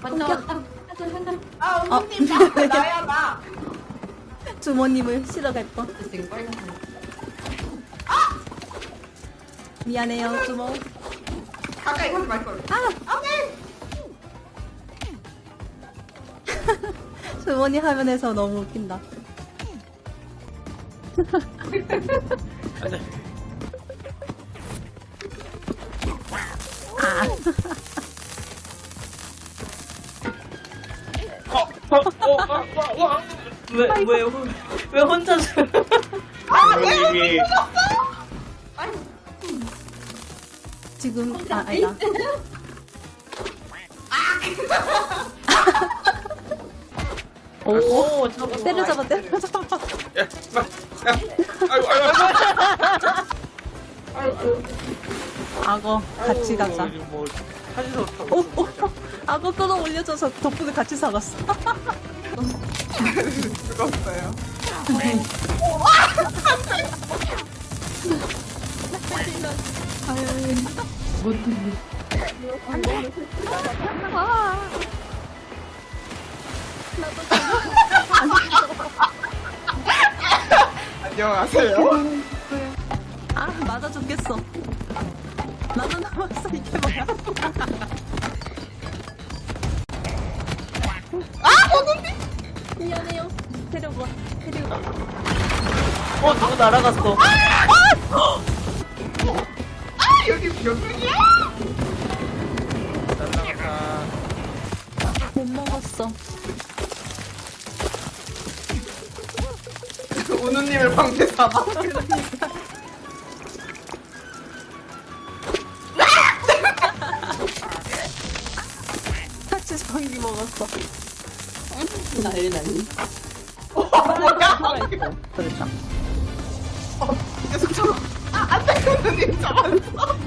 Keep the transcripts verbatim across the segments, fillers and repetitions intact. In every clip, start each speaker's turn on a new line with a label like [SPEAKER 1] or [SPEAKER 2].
[SPEAKER 1] 아,
[SPEAKER 2] 어.
[SPEAKER 1] 언니님, 나, 나야, 나.
[SPEAKER 2] 주모님을 실어 갈 뻔.
[SPEAKER 3] 지금 빨간
[SPEAKER 2] 미안해요, 주모.
[SPEAKER 1] 가까이 가지 말걸.
[SPEAKER 2] 아!
[SPEAKER 1] 안 돼!
[SPEAKER 2] 주모님 화면에서 너무 웃긴다. 아.
[SPEAKER 3] 왜, 왜, 왜 혼자서.
[SPEAKER 4] 부모님이
[SPEAKER 2] 지금, 아, 아니다.
[SPEAKER 3] 오, 저거.
[SPEAKER 2] 때려잡아, 때려잡아.
[SPEAKER 4] 야, 마, 야, 아이고, 아이고, 아이고.
[SPEAKER 2] 악어, 같이 가자.
[SPEAKER 4] 아이고, 뭐 사진으로 타고
[SPEAKER 2] 오, 오, 악어 끌어올려줘서 덕분에 같이 사갔어.
[SPEAKER 1] 죽었어요. 안녕하세요.
[SPEAKER 2] 아, 맞아 죽겠어. 나도 남았어, 이게 뭐야.
[SPEAKER 1] 아, 언니!
[SPEAKER 2] 미안해요. 데려가, 데려가.
[SPEAKER 3] 어, 누구 날아갔어.
[SPEAKER 1] 아, 여기 병이야!
[SPEAKER 4] 날라가.
[SPEAKER 2] 못 먹었어.
[SPEAKER 1] 오누님을 방패 삼아.
[SPEAKER 2] 같이 성기 먹었어.
[SPEAKER 3] 난리 난리.
[SPEAKER 1] 뭐야?
[SPEAKER 2] 그랬다.
[SPEAKER 1] 계속 잡아. 아, 안 돼, 오누님 잡았어.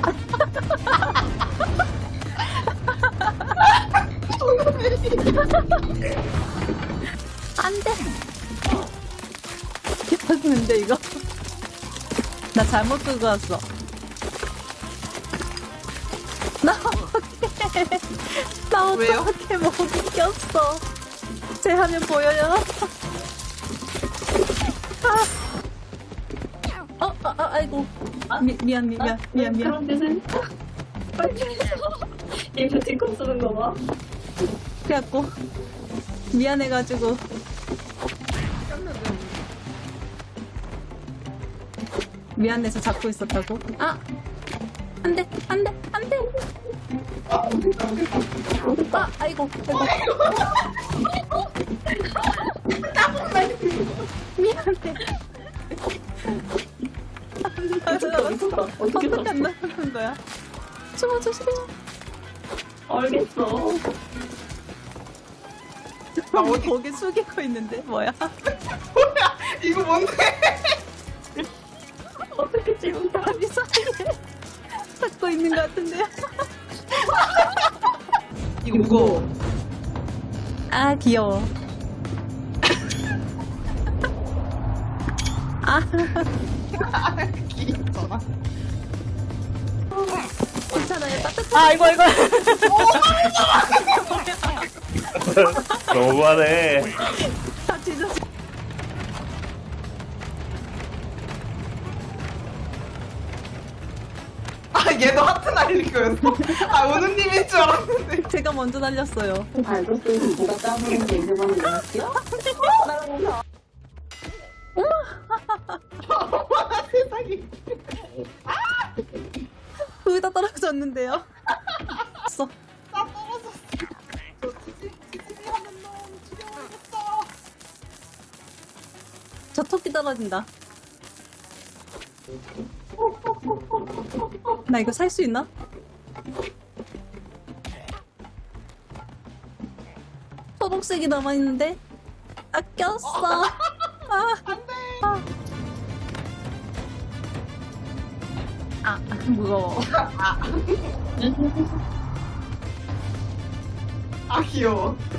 [SPEAKER 2] 안 돼! 개판는데, 이거? 나 잘못 들고 왔어. 나 어떡해. 나
[SPEAKER 1] 왜요?
[SPEAKER 2] 어떡해, 못 이겼어. 제 화면 보여요? 아. 어, 아, 아, 아이고. 미, 미안, 미안, 미안, 미안.
[SPEAKER 3] 그런 데는. 이거 뒷꿈 쓰는 거 봐.
[SPEAKER 2] 그래갖고, 미안해가지고. 미안해서 잡고 있었다고? 아! 안 돼, 안 돼, 안 돼! 아, 아이고, 아이고. 미안해. 안 나갔어.
[SPEAKER 3] 어떻게
[SPEAKER 2] 어떻게 안 나가는 거야? 숨어 조심해.
[SPEAKER 3] 알겠어.
[SPEAKER 1] 나 어디,
[SPEAKER 2] 고개 숙이고 있는데, 뭐야?
[SPEAKER 1] 뭐야? 이거 뭔데?
[SPEAKER 3] 어떻게 지금 다.
[SPEAKER 2] 다리 사이에 잡고 있는 것 같은데요?
[SPEAKER 1] 이거 무거워.
[SPEAKER 2] 아, 귀여워. 아,
[SPEAKER 1] 귀엽잖아.
[SPEAKER 2] 괜찮아요. 따뜻해.
[SPEAKER 3] 아, 이거, 이거.
[SPEAKER 4] 너무하네.
[SPEAKER 2] 다 찢어져.
[SPEAKER 1] 아, 얘도 하트 날릴 거였어. 아, 오누님인 줄 알았는데.
[SPEAKER 2] 제가 먼저 날렸어요.
[SPEAKER 3] 발도 쓰고 누가 까부는 게 이름만 일어났지요?
[SPEAKER 1] 세상에.
[SPEAKER 2] 거의 다 떨어졌는데요? 써.
[SPEAKER 1] 나 떨어졌어. 저 지지, 지지미 하는 놈 죽여야겠어.
[SPEAKER 2] 저 토끼 떨어진다. 나 이거 살 수 있나? 초록색이 남아있는데? 아꼈어. 아,
[SPEAKER 1] 안 돼.
[SPEAKER 2] 아. 아, 무거워.
[SPEAKER 1] 아, 귀여워.